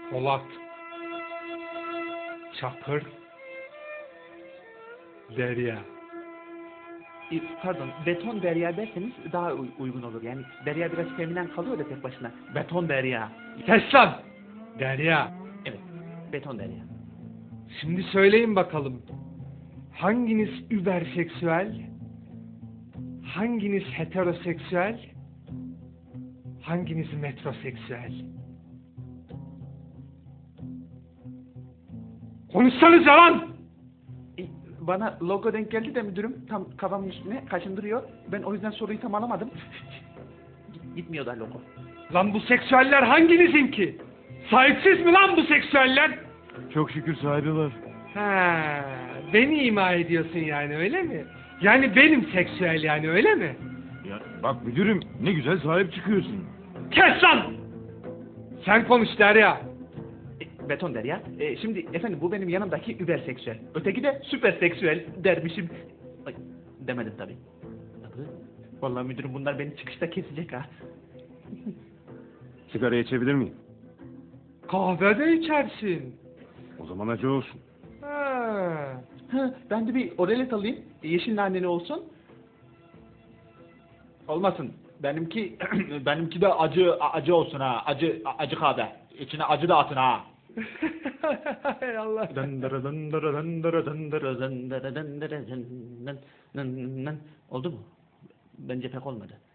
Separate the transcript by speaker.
Speaker 1: Polat, Çakır, Derya.
Speaker 2: Pardon, beton derya derseniz daha uygun olur. Yani derya biraz feminen kalıyor da tek başına. Beton derya.
Speaker 1: Kes lan! Derya.
Speaker 2: Evet, beton derya.
Speaker 1: Şimdi söyleyin bakalım. Hanginiz überseksüel? Hanginiz heteroseksüel? Hanginiz metroseksüel? Konuşsanıza lan!
Speaker 2: Bana logo denk geldi de müdürüm tam kafamın üstüne kaşındırıyor. Ben o yüzden soruyu tam alamadım. Gitmiyor da logo.
Speaker 1: Lan bu seksüeller hanginizin ki? Sahipsiz mi lan bu seksüeller?
Speaker 3: Çok şükür sahibi var.
Speaker 1: Ha, beni ima ediyorsun yani öyle mi? Yani benim seksüel yani öyle mi?
Speaker 3: Ya bak müdürüm ne güzel sahip çıkıyorsun.
Speaker 1: Kes lan! Sen konuş Derya.
Speaker 2: Beton derya. Şimdi efendim bu benim yanımdaki überseksüel. Öteki de süperseksüel dermişim. Ay, demedim tabii. Vallahi müdürüm bunlar beni çıkışta kesecek ha.
Speaker 3: Sigara içebilir miyim?
Speaker 1: Kahve de içersin.
Speaker 3: O zaman acı olsun.
Speaker 1: Ha.
Speaker 2: Ha, ben de bir oralet alayım. Yeşil naneli olsun. Olmasın. Benimki de acı olsun ha. Acı kahve. İçine acı da atın ha.
Speaker 1: Hay Allah.
Speaker 2: Oldu mu? Bence pek olmadı.